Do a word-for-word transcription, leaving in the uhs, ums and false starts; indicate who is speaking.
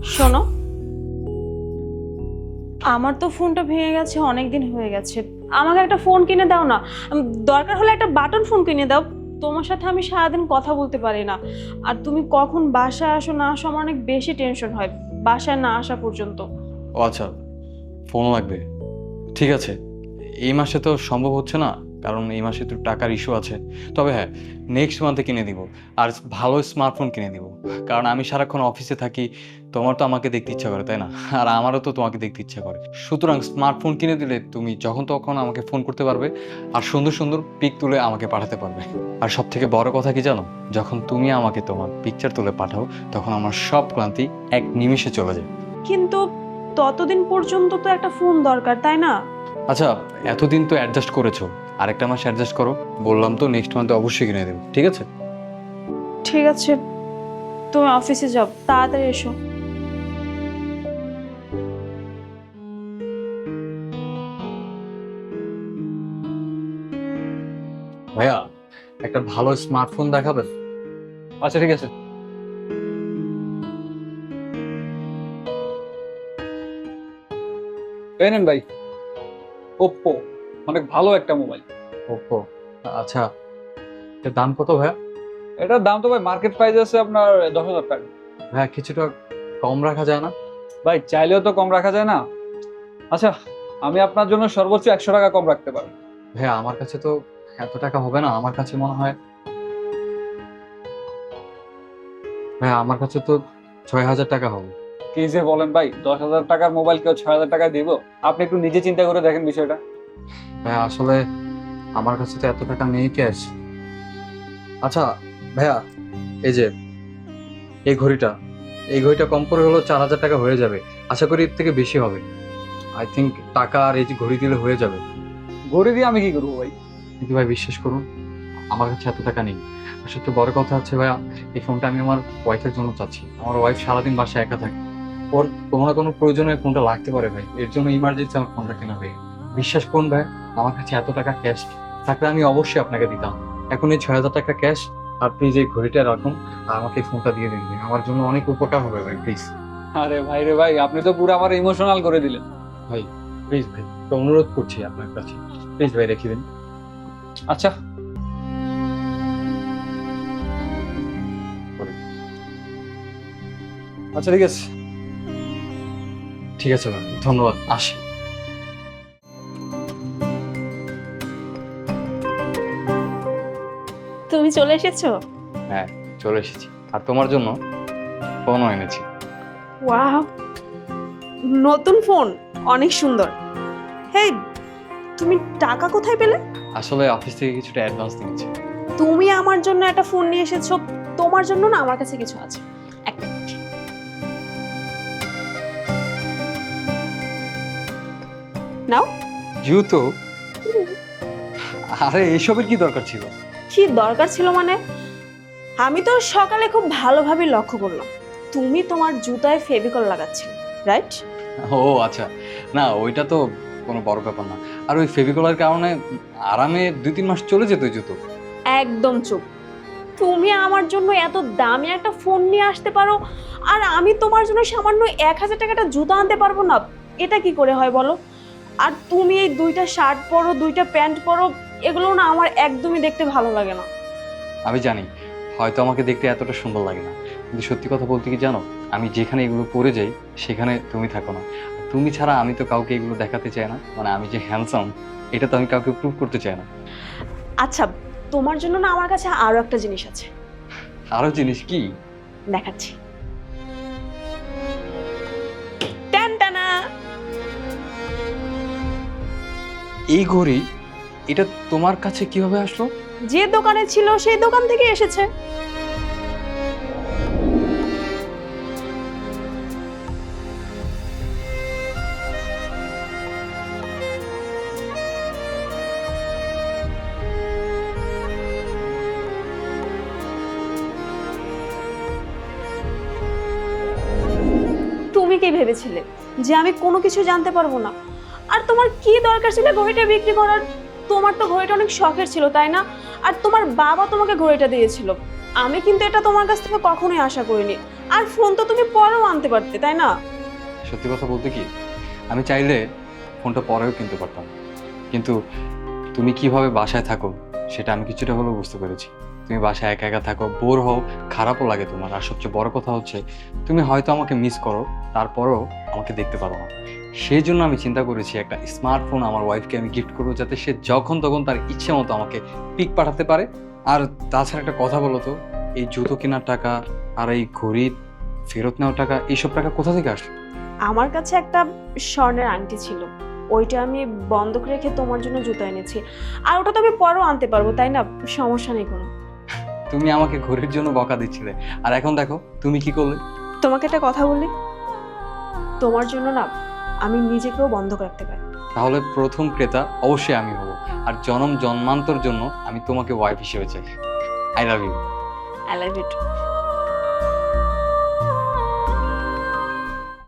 Speaker 1: শোনো, আমার তো ফোনটা ভেঙে গেছে, অনেক দিন হয়ে গেছে। আমাকে একটা ফোন কিনে দাও না। উম, দরকার হলে একটা বাটন ফোন কিনে দাও। তোমার সাথে আমি সারাদিন কথা বলতে পারি না। আর তুমি কখন বাসায় আসো না আসো, আমার অনেক বেশি টেনশন হয় বাসায় না আসা পর্যন্ত।
Speaker 2: ও আচ্ছা, ফোন লাগবে। ঠিক আছে, এই মাসে তো সম্ভব হচ্ছে না, কারণ এই মাসে তো টাকার ইস্যু আছে। তবে হ্যাঁ, নেক্সট মান্থে কিনে দিব। আর ভালো স্মার্টফোন কিনে দিব, কারণ আমি সারাক্ষণ অফিসে থাকি। তোমার তো আমাকে দেখতে ইচ্ছা করে, তাই না? আর আমারও তো তোমাকে দেখতে ইচ্ছা করে। সুতরাং স্মার্টফোন কিনে দিলে তুমি যখন তখন আমাকে ফোন করতে পারবে, আর সুন্দর সুন্দর পিক তুলে আমাকে পাঠাতে পারবে। আর সব থেকে বড় কথা কি জানো, যখন তুমি আমাকে তোমার পিকচার তুলে পাঠাও, তখন আমার সব ক্লান্তি এক নিমিষে চলে যায়।
Speaker 1: কিন্তু ততদিন পর্যন্ত তো একটা ফোন দরকার, তাই না?
Speaker 2: আচ্ছা, এতদিন তো অ্যাডজাস্ট করেছো, আরেকটা মাস অ্যাডজাস্ট করো। বললাম তো নেক্সট মান্থে অবশ্যই কিনে দেবো, ঠিক আছে?
Speaker 1: ঠিক আছে, তুমি অফিসে যাও, তাড়াতাড়ি এসো।
Speaker 2: ভাইয়া, একটা ভালো স্মার্টফোন দেখাবেন?
Speaker 3: আচ্ছা ঠিক আছে। এই নেন ভাই, ওপ্পো, অনেক ভালো একটা মোবাইল।
Speaker 2: ওপো, আচ্ছা। এর দাম কত ভাইয়া?
Speaker 3: এটার দাম তো ভাই মার্কেট প্রাইস আছে আপনার দশ হাজার টাকা।
Speaker 2: ভাইয়া কিছুটা কম রাখা যায় না?
Speaker 3: ভাই চাইলেও তো কম রাখা যায় না। আচ্ছা, আমি আপনার জন্য সর্বোচ্চ একশো টাকা কম রাখতে পারবো।
Speaker 2: ভাইয়া আমার কাছে তো এত টাকা হবে না। আমার কাছে মনে হয় ভাইয়া আমার কাছে তো ছয় হাজার টাকা হবে।
Speaker 3: কি যে বলেন ভাই, দশ হাজার টাকার মোবাইল কেউ ছয় হাজার টাকায় দিব? আপনি একটু নিজে চিন্তা করে দেখেন বিষয়টা।
Speaker 2: ভাইয়া আসলে আমার কাছে তো এত টাকা নেই ক্যাশ। আচ্ছা ভাইয়া, এই যে এই ঘড়িটা, এই ঘড়িটা কম করে হলো চার হাজার টাকা হয়ে যাবে। আশা করি এর থেকে বেশি হবে। আই থিঙ্ক টাকা আর এই যে ঘড়ি দিলে হয়ে যাবে।
Speaker 3: ঘড়ি দিয়ে আমি কি করবো ভাই?
Speaker 2: কিন্তু ভাই বিশ্বাস করুন, আমার কাছে এত টাকা নেই। আর সবচেয়ে বড় কথা হচ্ছে ভাইয়া, এই ফোনটা আমি আমার ওয়াইফের জন্য চাচ্ছি। আমার ওয়াইফ সারাদিন বাসায় একা থাকে, ওর কোনো না কোনো প্রয়োজনে ফোনটা লাগতে পারে ভাই। এর জন্য ইমার্জেন্সি আমার ফোনটা কেনা ভাই। বিশ্বাস করুন ভাই, আমার কাছে এত টাকা ক্যাশ থাকলে আমি অবশ্যই আপনাকে দিতাম। এখন এই ছয় হাজার টাকা ক্যাশ, আর প্লিজ এই ঘড়িটা রাখুন, আর আমাকে এই ফোনটা দিয়ে দিন ভাই। আমার জন্য অনেক উপকার হবে ভাই, প্লিজ।
Speaker 3: আরে ভাই রে ভাই, আপনি তো পুরো আমার ইমোশনাল করে দিলেন।
Speaker 2: ভাই প্লিজ ভাই, একটা অনুরোধ করছি আপনার কাছে, প্লিজ ভাই রেখে দিন।
Speaker 3: আচ্ছা আচ্ছা ঠিক আছে।
Speaker 2: ঠিক আছে ভাই, ধন্যবাদ, আসি।
Speaker 1: তুমি চলে এসেছো?
Speaker 2: হ্যাঁ, চলে এসেছি। আর তোমার জন্য ফোনও এনেছি।
Speaker 1: ওয়াও, নতুন ফোন, অনেক সুন্দর। হেই, তুমি টাকা কোথায় পেলে?
Speaker 2: আসলে অফিস থেকে কিছুটা অ্যাডভান্স নিয়েছি।
Speaker 1: তুমি আমার জন্য একটা ফোন নিয়ে এসেছো, তোমার জন্য না আমার কাছে কিছু আছে। এক মিনিট। নাও।
Speaker 2: জুতো? আরে এসবের কি দরকার ছিল?
Speaker 1: কি দরকার ছিল মানে? আমি তো সকালে খুব ভালোভাবে লক্ষ্য করলাম তুমি তোমার জুতায় ফেভিকল লাগাচ্ছিলে, রাইট?
Speaker 2: ও আচ্ছা, না ওইটা তো কোনো বড় ব্যাপার না। আর ওই ফেভিকলের কারণে আরামে দুই তিন মাস চলে যেত ওই জুতো।
Speaker 1: একদম চুপ। তুমি আমার জন্য এত দামি একটা ফোন নিয়ে আসতে পারো, আর আমি তোমার জন্য সামান্য এক হাজার টাকাটা জুতা আনতে পারবো না? এটা কি করে হয় বলো? আর তুমি এই দুইটা শার্ট পরো, দুইটা প্যান্ট পরো, এগুলো না আমার একদমই দেখতে ভালো লাগে না।
Speaker 2: আমি জানি হয়তো আমাকে দেখতে এতটা সুন্দর লাগে না, কিন্তু সত্যি কথা বলতে কি জানো, আমি যেখানে এগুলো পরে যাই সেখানে তুমি থাকো না। তুমি ছাড়া আমি তো কাউকে এগুলো দেখাতে চাই না, মানে আমি যে হ্যান্ডসাম এটা তো আমি কাউকে প্রুভ করতে চাই না।
Speaker 1: আচ্ছা, তোমার জন্য না আমার কাছে আরো একটা জিনিস আছে,
Speaker 2: আরো জিনিস কি?
Speaker 1: দেখাচ্ছি। টানটানা।
Speaker 2: এই ঘড়ি, এটা তোমার কাছে কিভাবে আসলো?
Speaker 1: যে দোকানে ছিল সেই দোকান থেকে এসেছে। তুমি কি ভেবেছিলে যে আমি কোনো কিছু জানতে পারবো না? আর তোমার কি দরকার ছিল ঘড়িটা বিক্রি করার? তোমার তো ঘড়িটা অনেক শখের ছিল, তাই না? আর তোমার বাবা তোমাকে ঘড়িটা দিয়েছিল। আমি কিন্তু এটা তোমার কাছ থেকে কখনোই আশা করিনি। আর ফোন তো তুমি পরেও আনতে পারতে, তাই না?
Speaker 2: সত্যি কথা বলতে কি, আমি চাইলে ফোনটা পরেও কিনতে পারতাম, কিন্তু তুমি কিভাবে বাসায় থাকো সেটা আমি কিছুটা হলেও বুঝতে পেরেছি। তুমি বাসায় একা একা থাকো, বোর হও, খারাপও লাগে তোমার, আর সবচেয়ে বড় কথা হচ্ছে তুমি হয়তো আমাকে মিস করো, তারপরেও আমাকে দেখতে পারো না। সেই জন্য আমি চিন্তা করেছি একটা স্মার্টফোন আমার ওয়াইফকে আমি গিফট করবো, যাতে সে যখন তখন তার ইচ্ছে মতো আমাকে পিক পাঠাতে পারে। আর তাছাড়া একটা কথা বলো তো, এই জুতো কেনার টাকা আর এই ঘড়ি ফেরত নেওয়ার টাকা, এইসব টাকা কোথা থেকে আসবে?
Speaker 1: আমার কাছে একটা স্বর্ণের আংটি ছিল, ওইটা আমি বন্ধক রেখে তোমার জন্য জুতো এনেছি। আর ওটা তো আমি পরেও আনতে পারবো, তাই না? সমস্যা নেই কোনো।
Speaker 2: তুমি আমাকে ঘড়ির জন্য বকা দিচ্ছিলে, আর এখন দেখো তুমি কি করলে।
Speaker 1: তোমাকে একটা কথা বলি, তোমার জন্য না আমি নিজেকেও বন্ধক রাখতে পারি।
Speaker 2: তাহলে প্রথম ক্রেতা অবশ্যই আমি হব, আর জনম জন্মান্তর জন্য আমি তোমাকে ওয়াইফ হিসেবে চাই। I love you.
Speaker 1: I love you.